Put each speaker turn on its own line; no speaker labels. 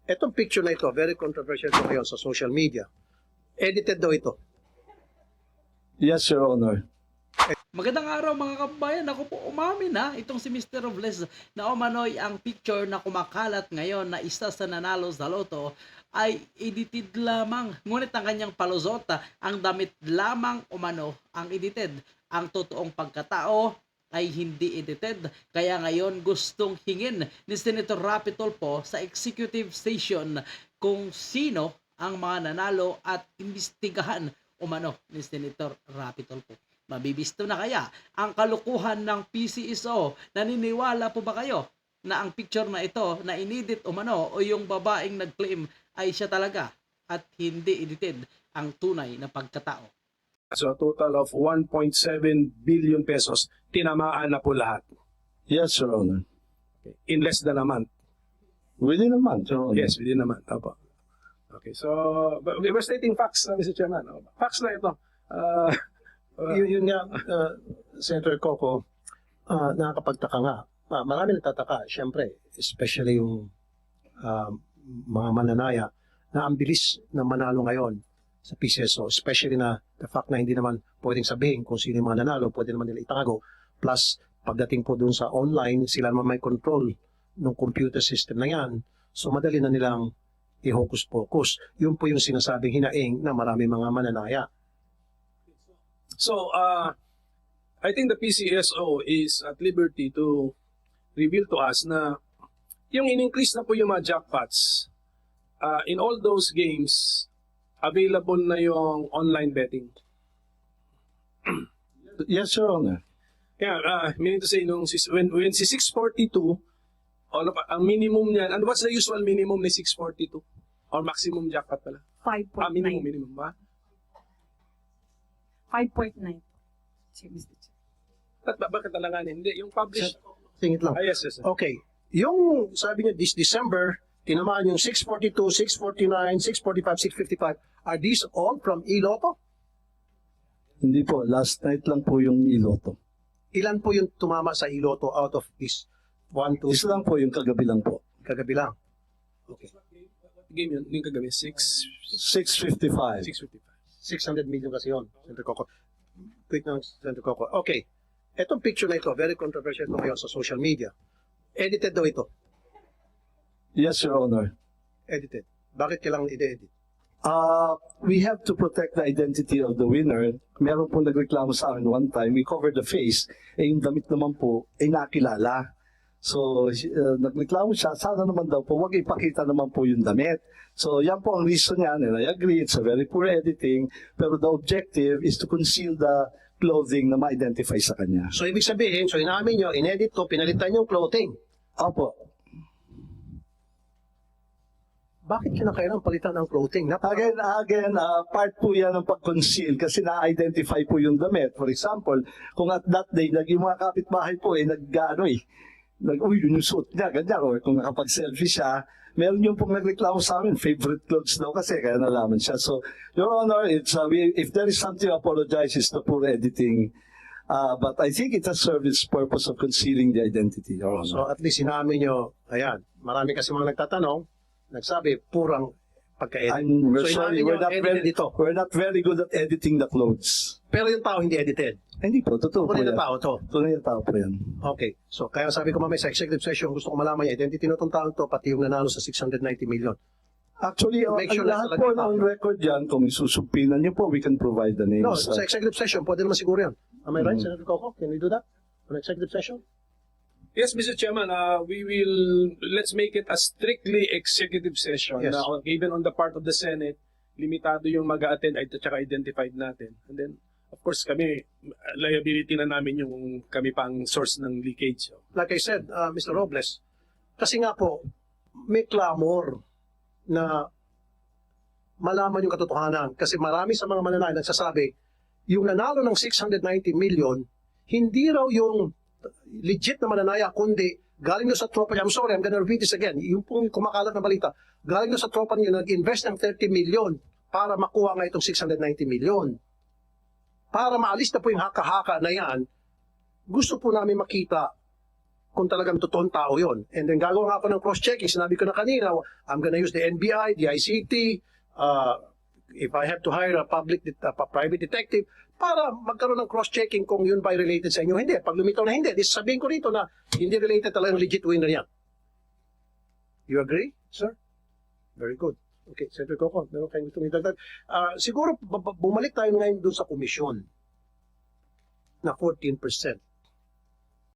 Etong picture na ito, very controversial ito ngayon sa social media. Edited daw ito.
Yes, Your Honor.
Magandang araw mga kabayan. Ako po umamin ha. Itong si Mr. Robles na umano'y ang picture na kumakalat ngayon na isa sa nanalo sa loto ay edited lamang. Ngunit ang kanyang palusota, ang damit lamang umano ang edited. Ang totoong pagkatao ay hindi edited. Kaya ngayon gustong hingin ni Senator Rapi Tulfo sa executive session kung sino ang mga nanalo at imbestigahan umano ni Senator Rapi Tulfo. Mabibisto na kaya ang kalukuhan ng PCSO? Naniniwala po ba kayo na ang picture na ito na inedit umano o yung babaeng nag-claim ay siya talaga at hindi edited ang tunay na pagkatao?
So a total of 1.7 billion pesos, tinamaan na po lahat
Yes, Your Honor.
in less than a month.
Within a month, Your Honor.
Yes, within a month. Opo. Okay, so but we're stating facts, Mr. Chairman. Facts na ito.
Yun nga, Senator Coco, nakakapagtaka nga. Marami nagtataka, syempre, especially yung mga mananaya na ang bilis na manalo ngayon sa PCSO, especially na the fact na hindi naman pwedeng sabihin kung sino yung mga nanalo, pwede naman nila itago. Plus, pagdating po dun sa online, sila naman may control ng computer system na yan. So, madali na nilang i-hocus-pocus. Yun po yung sinasabing hinaing na marami mga mananaya.
So I think the PCSO is at liberty to reveal to us na yung in-increase na po yung mga jackpots. In all those games, available na yung online betting.
Yes, Your Honor.
Yeah, meaning to say, when si 642, ang minimum niyan, and what's the usual minimum ni 642? Or maximum jackpot pala?
5.9.
Minimum ba?
5.9. Sige, Mr. Chair.
Bakit talanganin? Hindi, yung published.
Singit lang.
Yes, yes.
Okay. Yung sabi niyo this December, tinamaan yung 642, 649, 645, 655. Are these all from Iloto?
Hindi po. Last night lang po yung iloto.
Ilan po yung tumama sa Iloto out of this? 1, 2,
Isa lang po yung kagabi lang po.
kagabi lang. Okay.
Game yun, yung kagabi,
6:55.
655.
600 million kasi yun, Senator Coco. Quick lang, Senator Coco. Okay. Etong picture na ito, very controversial ito ngayon sa social media. Edited daw ito.
Yes, Your Honor.
Edited. Bakit kailangan i-edit?
We have to protect the identity of the winner. Meron po nagreklamo sa akin one time, we covered the face, yung damit naman po ay nakilala. So, nagreklamo siya, sana naman daw po, wag ipakita naman po yung damit. So, yan po ang reason niya, and I agree, it's a very poor editing, pero the objective is to conceal the clothing na ma-identify sa kanya.
So, ibig sabihin, so inamin nyo, inedit to, pinalitan yung clothing.
Opo.
Bakit kinakailangan palitan ang clothing?
Again, part po yan ng pag-conceal kasi na-identify po yung damit. For example, kung at that day, yung mga kapitbahay po, uy, yun yung suot niya, ganyan. Or kung nakapag-selfie siya, meron yung pong nagreklamo sa amin, favorite clothes daw kasi, kaya nalaman siya. So, Your Honor, if there is something to apologize, it's the poor editing. But I think it has served its purpose of concealing the identity, Your Honor.
So, at least inamin nyo, ayan, marami kasi mga nagtatanong, nagsabi, purang pagka-edit.
We're sorry,
inamin nyo,
we're not very good at editing the clothes.
Pero yung tao hindi edited.
Hindi po, totoo po
Tunay
yan.
na tao to.
Tunay na tao po yan.
Okay. So, kaya sabi ko mamaya sa executive session, gusto ko malaman yung identity na itong taong to, pati yung nanalo sa 690 million.
Actually,
Make sure
ang
na
lahat
talaga
po
tao.
ng record yan, kung isusumpinan niyo po, we can provide the names.
No, sa executive session, pwede naman siguro yan. Am I right, Senator Coco? Can we do that? On executive session?
Yes, Mr. Chairman, let's make it a strictly executive session.
Yes.
Na, even on the part of the Senate, limitado yung mag-a-attend at saka identified natin. And then, of course, kami, liability na namin yung kami pang source ng leakage.
Like I said, Mr. Robles, kasi nga po, may clamor na malaman yung katotohanan. Kasi marami sa mga mananay nagsasabi, yung nanalo ng 690 million, hindi raw yung legit na mananaya, kundi galing nyo sa tropa niya. I'm sorry, I'm gonna repeat this again. Yung pong kumakalat na balita, galing nyo sa tropa niyo, nag-invest ng 30 million para makuha nga itong 690 million. Para maalis na po yung haka-haka na yan, gusto po namin makita kung talagang totoong tao yon. And then gagawa nga ako ng cross-checking. Sinabi ko na kanina, I'm gonna use the NBI, the ICT, if I have to hire a private detective, para magkaroon ng cross-checking kung yun ba ay related sa inyo. Hindi. Pag lumitaw na hindi, sabihin ko rito na hindi related talagang legit winner yan. You agree, sir? Very good. Okay, Senator Coco, meron kayong gusto idagdag. Siguro bumalik tayo ngayon doon sa komisyon na 14%.